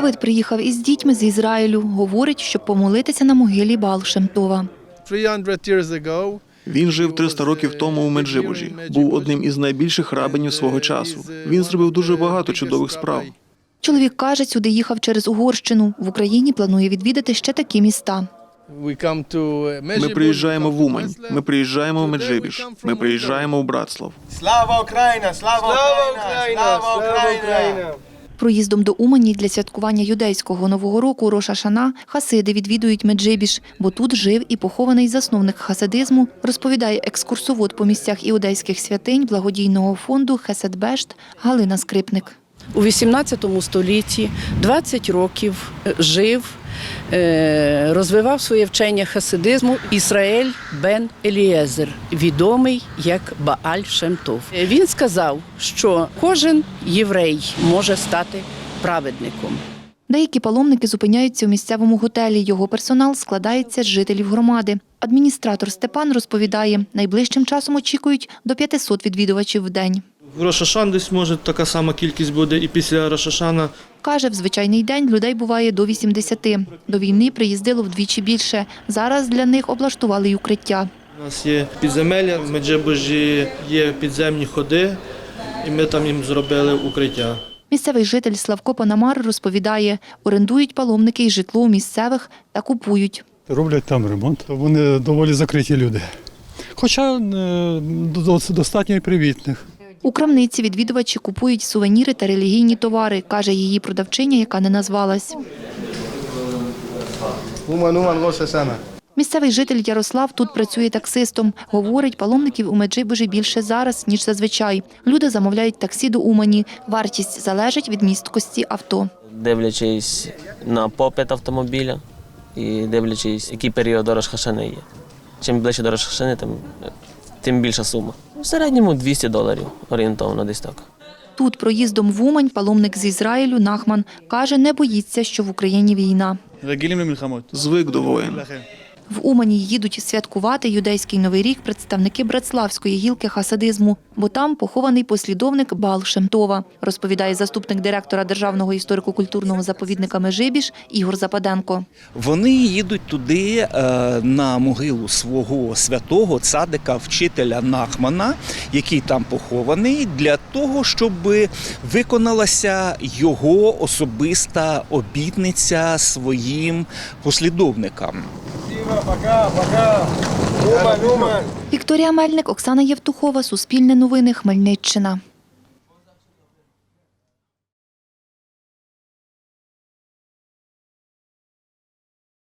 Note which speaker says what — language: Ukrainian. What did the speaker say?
Speaker 1: Давид приїхав із дітьми з Ізраїлю. Говорить, щоб помолитися на могилі Баал Шем Това.
Speaker 2: 300 years ago,
Speaker 3: Він жив 300 років тому у Меджибужі. Був одним із найбільших рабинів свого часу. Він зробив дуже багато чудових справ.
Speaker 1: Чоловік каже, сюди їхав через Угорщину. В Україні планує відвідати ще такі міста.
Speaker 3: Ми приїжджаємо в Умань, ми приїжджаємо в Меджибіж, ми приїжджаємо в Братслав.
Speaker 4: Слава Україна! Слава Україна! Слава Україна!
Speaker 1: Проїздом до Умані для святкування юдейського Нового року Рош аш-Шана хасиди відвідують Меджибіж, бо тут жив і похований засновник хасидизму, розповідає екскурсовод по місцях іудейських святинь благодійного фонду Хесед Бешт Галина Скрипник.
Speaker 5: У 18 столітті 20 років жив, розвивав своє вчення хасидизму Ісраїль бен Елієзер, відомий як Бааль Шем Това. Він сказав, що кожен єврей може стати праведником.
Speaker 1: Деякі паломники зупиняються у місцевому готелі. Його персонал складається з жителів громади. Адміністратор Степан розповідає, найближчим часом очікують до 500 відвідувачів в день.
Speaker 6: В Рош аш-Шана десь може така сама кількість буде і після Рош аш-Шана.
Speaker 1: Каже, в звичайний день людей буває до 80. До війни приїздило вдвічі більше. Зараз для них облаштували й укриття.
Speaker 6: У нас є підземелля, в Меджибужі є підземні ходи, і ми там їм зробили укриття.
Speaker 1: Місцевий житель Славко Панамар розповідає, орендують паломники й житло у місцевих та купують.
Speaker 7: Роблять там ремонт. Вони доволі закриті люди. Хоча достатньо і привітних.
Speaker 1: У крамниці відвідувачі купують сувеніри та релігійні товари, каже її продавчиня, яка не назвалась.
Speaker 4: Рош аш-Шана.
Speaker 1: Місцевий житель Ярослав тут працює таксистом. Говорить, паломників у Меджибужі більше зараз, ніж зазвичай. Люди замовляють таксі до Умані. Вартість залежить від місткості авто.
Speaker 8: Дивлячись на попит автомобіля і дивлячись, який період до Рош аш-Шани є. Чим ближче до Рош аш-Шани, тим більша сума. В середньому $200 орієнтовно десь так.
Speaker 1: Тут проїздом в Умань паломник з Ізраїлю Нахман каже, не боїться, що в Україні війна.
Speaker 3: Звик до воїн.
Speaker 1: В Умані їдуть святкувати юдейський Новий рік представники братславської гілки хасидизму, бо там похований послідовник Баал Шем Това, розповідає заступник директора Державного історико-культурного заповідника Меджибіж Ігор Западенко.
Speaker 9: Вони їдуть туди на могилу свого святого цадика, вчителя Нахмана, який там похований, для того, щоб виконалася його особиста обітниця своїм послідовникам.
Speaker 4: Пока. Умань.
Speaker 1: Вікторія Мельник, Оксана Євтухова, Суспільне новини, Хмельниччина.